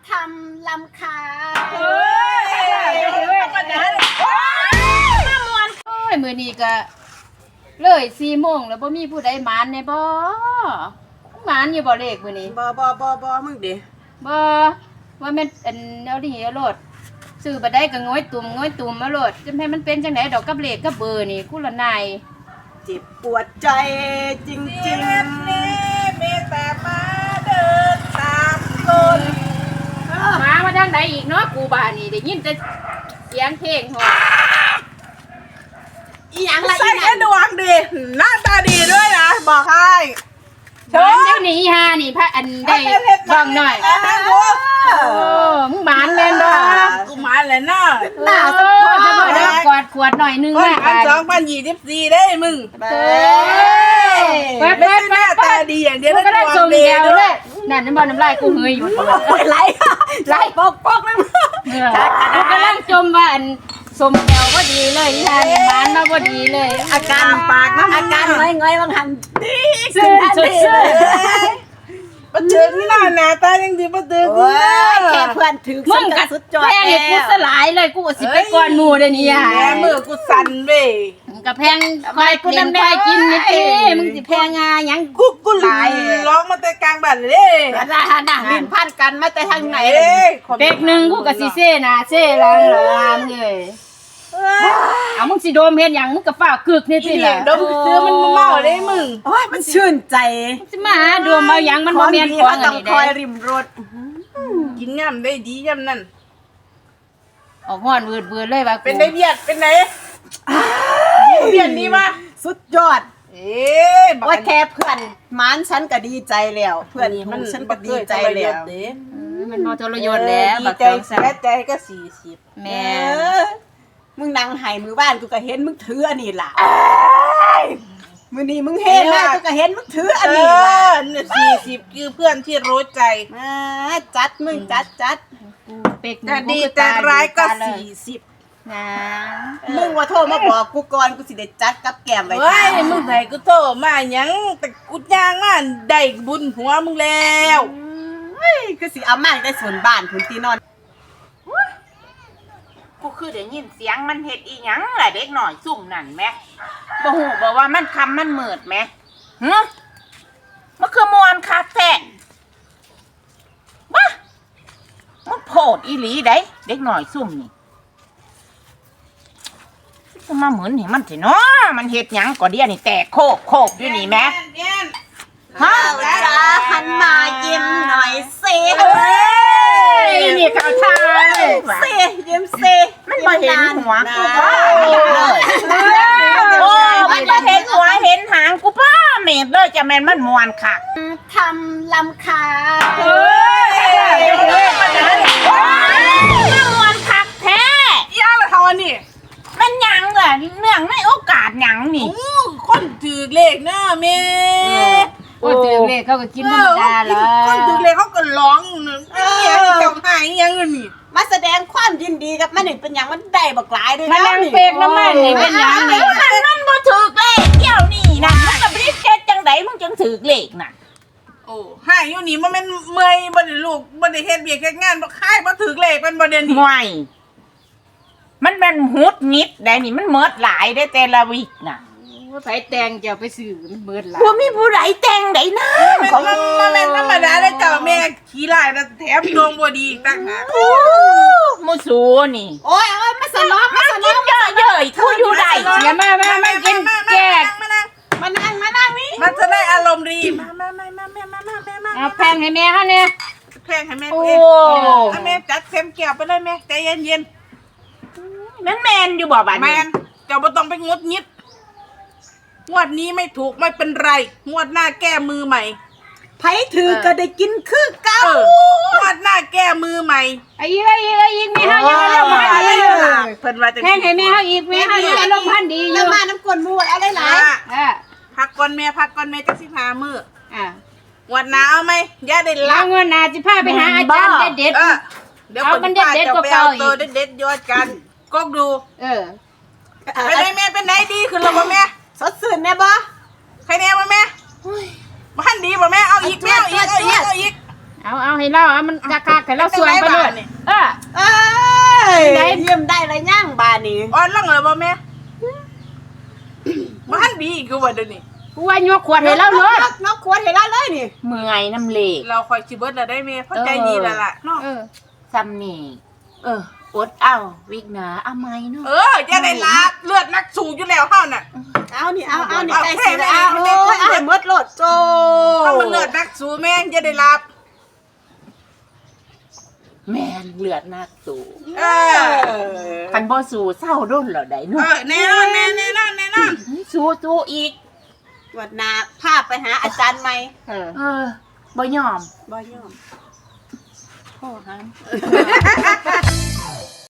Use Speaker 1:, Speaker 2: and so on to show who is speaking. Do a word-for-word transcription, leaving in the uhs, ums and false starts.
Speaker 1: ทำลำคาเฮ้
Speaker 2: ยเฮ้ยปัญหาเลยโอ้ยมามวนโอ้ยมื้อนี้ก็เลยสี่โมงแล้วบ่มีผู้ใดหมานแน่บ่หมานอยู่บ่เลขมื้อนี้
Speaker 1: บ่บ่บ่บ่มึงดิ
Speaker 2: บ่ว่าแม่นอันเอาดิเอาโลดซื้อบ่ได้ก็ง้อยตุ่มง้อยตุ่มมาโลดจำให้มันเป็นจังได๋ดอกกับเลขกับเบอร์นี่คู่ละนาย
Speaker 1: เจ็บปวดใจจริงๆนี่
Speaker 3: เมตตามาเดินตามคน
Speaker 2: มามาทางใดอีกเนาะกูบ้านนี่ได้ยินแต่เสียงเพลงฮอ
Speaker 1: อีหยังล่ะ
Speaker 3: ใส่แค่ดวงดีหน้าตาดีด้วยนะบอกให้
Speaker 2: เดี๋ยวนี้ฮานี่พระอันได้บ้องหน่อยโอ้มึงหมานแม่นบ่
Speaker 3: กูหมานเลยนะ
Speaker 2: หน้าสะโพกจะบ่ได้กอดขวดหน่อยนึง
Speaker 3: นะอันสองพันยี่สิบสี่ได้มึง
Speaker 2: เฮ้ย
Speaker 3: ไม่ใช่หน้าตาดีอย่างเดียว
Speaker 2: ก็ได้ทรงเดียวเลยนั่นน้ำบ่น้ำลายกูเฮยอยู่
Speaker 1: ไหลไหลปอกปอกเลย
Speaker 2: กูกำลังจมว่าอันสมแก้วพอดีเลยอีหานหมานมาพอดีเลย
Speaker 1: อาการปากนะอาการง่อยๆบางหัน
Speaker 2: ดีสุดสุดสุด
Speaker 3: ปะเจิงนี่น่าหน้าตายังดีปะเจิงกู
Speaker 1: แค่เพื่อนถือ
Speaker 2: มึงกัดสุดจอดแพงกูสลายเลยกูสิไปก่อนหมู่เดี๋ยวนี้อ่ะ
Speaker 3: แม่มือกูสั่นเว้ย
Speaker 2: กับแพงคอยกูน้ำได้กินนี่เอ้มึงสิแพงงายัง
Speaker 3: กูกูหลายร้องมาแต่กลางบ้านเลย
Speaker 1: กระดาษน่ะลิ้นพันกันมาแต่ทางไหน
Speaker 2: เด็กหนึ่งกูกับซีเซ่น่ะเซ่ลังเลยเลยเอามึงสิโดมเห็นอย่างมึงกับฝ้ากึกนี่สิแหละ
Speaker 3: โดมซื้อมันเมาเลยมึง
Speaker 1: โอ้ยมันชื่นใจ
Speaker 2: สิมาหาโดมเอาอย่างมันบ่แม่นของอันนี้
Speaker 1: เด้ต้องคอยริมรถ
Speaker 3: กินย่ำได้ดีย่ำนั่น
Speaker 2: ออกฮ้อนวืดๆเลยว่า
Speaker 3: เป็นไดเบียดเป็นไหนเบียดนี่มา
Speaker 1: สุดยอด
Speaker 3: เอ๊ะ
Speaker 1: ว่าแค่เพื่อนม้านฉันก็ดีใจแล้วเพื่อนมันฉันก็ดีใจแล้ว
Speaker 2: มันบ่ทรยศแล้ว
Speaker 3: บักใจแซ่ใจก็สี่สิบ
Speaker 2: แม่
Speaker 1: มึงนั่งไห้มือบ้านกูก็เห็นมึงถืออันนี้ล่ะมือนี้มึงเห็นนะกูก็เห็นมึงถืออันนี้ล่ะ
Speaker 3: สี่สิบคือเพื่อนที่รู้ใจ
Speaker 1: มาจัดมึงจัดจัด
Speaker 2: เป็ก
Speaker 3: แต่ดีแต่ร้ายก็สี่สิบ
Speaker 2: นะ
Speaker 1: มึงว่าโทรมาบอกกูก่อนกูสิได้จัดกับแก้มไว้
Speaker 3: เฮ้ยมึงไหนกูโทรมายังแต่กูย่างมาได้บุญหัวมึงแล้ว
Speaker 1: เฮ้ยคือสิเอามาได้ส่วนบ้านพื้นที่นอน
Speaker 4: กูคือได้ยินเสียงมันเฮ็ดอีหยังล่ะเด็กหน่อยซุ่มนั่นแม่บ่ฮู้บ่ว่ามันคำมันมืดแม่หึมันคือมวนคักแท้บ้ามันโพดอีหลีได้เด็กหน่อยซุ่มนี่ก็มาเหมือนนี่มันสิเนาะมันเฮ็ดหยังก็เดี๋ยวนี่แตกโคกโคกอยู่นี่แม่
Speaker 1: ฮะจ้าหันมายิ้มหน่อยสิ
Speaker 2: นี่ข่าวทาย
Speaker 1: สิยิ้มสิ
Speaker 4: มันบ่เห็นหัวกูป้าเลยโอ้มันบ่เห็นหัวเห็นหางกูป้าเม็ดเลยจะแม่นมันมวนค่ะ
Speaker 1: ทำลำคา
Speaker 4: เฮ้ยเฮ้ยมันจะมันมวนคักแท้
Speaker 3: ย่าละทอนี่
Speaker 4: มันหยังอ่ะเนื่องในโอกาสหยังนี่
Speaker 3: คนถือเลขเนาะแม่
Speaker 2: โอ้ถือเลขเขาก็กินธรรมดาเลย
Speaker 3: คนถือเลขเขาก็ร้องเนี่ยเจ้าหายยังนี่
Speaker 1: มาแสดงความยินดีกับมันนี่เป็นอย่างมันได้บักหลายด้วยนะ
Speaker 2: มันนั่งเฟกน้ำมันนี่เป็นอย่างนี้
Speaker 4: มันมันบ่ถือเลขเกี่ยวนี่นะมึงกับรีบเช็ดจังไดมึงจังถือเลขน่ะ
Speaker 3: โอ้หายอยู่นี่มันเป็นเมื่อยบ่ได้ลูกบ่ได้เฮ็ดเบียกเฮ็ดงานบ่คายบ่ถือเลขเป็นบ่เด่นนี่
Speaker 4: ห่วยมันเป็นหุดงิดได้นี่มันเมิดหลายได้แต่ละวิกน่ะ
Speaker 2: ว่าไผแตงจะไปซื้อมันเบิดหลาย
Speaker 4: บ่มีผู้ใดแต่งได้นะ
Speaker 3: ของมันเป็นธรรมดาได้เจ้าแม่ขี้ลายแล้วแถมดวงบ่ดีอีกต่างหาก
Speaker 4: โอ้มูสูนี่
Speaker 1: โอ้ยโอ้ยมาสนอ
Speaker 4: มาสนอเยอะเย้ยทูอยู่ได้
Speaker 2: อย่ามามามากินแจก
Speaker 3: มานั่ง
Speaker 1: มานั่งมานั่งนี่
Speaker 3: มันจะได้อารมณ์ดีมามามามามามามามา
Speaker 2: เอาแพงให้แม่เฮาเนี่ย
Speaker 3: แพงให้แม่เองแม่จัดเต็มแก้วไปเลยแม่ใจเย็น
Speaker 4: ๆแม่นแม่นอยู่บ่บัดนี้
Speaker 3: แม่นเจ้าบ่ต้องไปงดงิดงวดนี้ไม่ถูกไม่เป็นไรงวดหน้าแก้มือใหม่
Speaker 1: ไผถือก็ได้กินคือเก่าง
Speaker 3: วดหน้าแก้มือใหม่
Speaker 2: ไอ้อีกไอ้อีกไอ้อีกแม่เฮายังอารมณ์พันดีอยู่
Speaker 3: เพิ่นว่าจัง
Speaker 2: ซี่แพงให้แม่เฮาอีกแม่เฮายังอารมณ์พันดีอยู่
Speaker 1: แล้วมาน้ำกลมูเอาหลาย
Speaker 3: ๆอ่าพักก่อนแม่พักก่อนแม่จักสิพามื้อ
Speaker 2: อ่า
Speaker 3: วันหน้าเอาไหมอย่าได้
Speaker 2: ละเงินหน้าสิพาไปหาอาจารย์เด็ด
Speaker 3: ๆเดี๋ยวคนเด็ดๆก็เก่าอีกตัวเด็ดๆยอดกันก๊กดู
Speaker 2: เออ
Speaker 3: เป็นไงแม่เป็นไหนดีขึ้นแล้วบ่แม่
Speaker 1: สดชื่นแน่บ่
Speaker 3: ใครแน่บ่แม่บ้านดีบ่แม่เอาอีกแม่เอาอีกเอาอีกเอาอีก
Speaker 2: เอาเอาให้เล่าเอามันคักๆให้เราสวงไปเลยเออ
Speaker 1: เอ้ยเยี่ยมได้ไรย่างบานนี่
Speaker 3: อ่อนลังเหรอบ่แม่บ้านดีกูว่าเดี๋ยวนี้
Speaker 2: กูว่ายกขวดให้เราเลย
Speaker 1: นกขวดเห็นแล้วเลยนี่
Speaker 4: เมื่อยน้ำเลก
Speaker 3: เราคอยชิเบิร์ดแล้วได้แม่เพราะใจดีแล้วล่ะเนาะ
Speaker 2: เออ
Speaker 4: ซ้ำนี่เอออดเอาวิกหนาเอาไหมเนาะ
Speaker 3: เออจะได้รับเลือดนักสูบอยู่แล้วเฮาน่ะ
Speaker 1: เอานี่เอาเอานี่
Speaker 3: เอา
Speaker 1: ใกล้
Speaker 3: แค่
Speaker 1: สิแล้ว
Speaker 3: แม่
Speaker 1: เอาโอ้ย
Speaker 3: แม่
Speaker 1: เอาให้หมดโลดโจ
Speaker 3: เอามันเลือดนักสูบแม่งจะได้รับ
Speaker 4: แม่นเลือดนักสูบ
Speaker 3: เออ
Speaker 4: คันบ่สูเศร้าด้นเหรอได้
Speaker 3: เอ
Speaker 4: เนาะ
Speaker 3: อแน่นอนแม่แน่นอนแน่นอน
Speaker 4: สู้สู้อีก
Speaker 1: วัดหนาพาไปหาอาจารย์ไหม
Speaker 4: เออเออบ่ยอม
Speaker 1: บ่ยอม
Speaker 4: พ่อครับ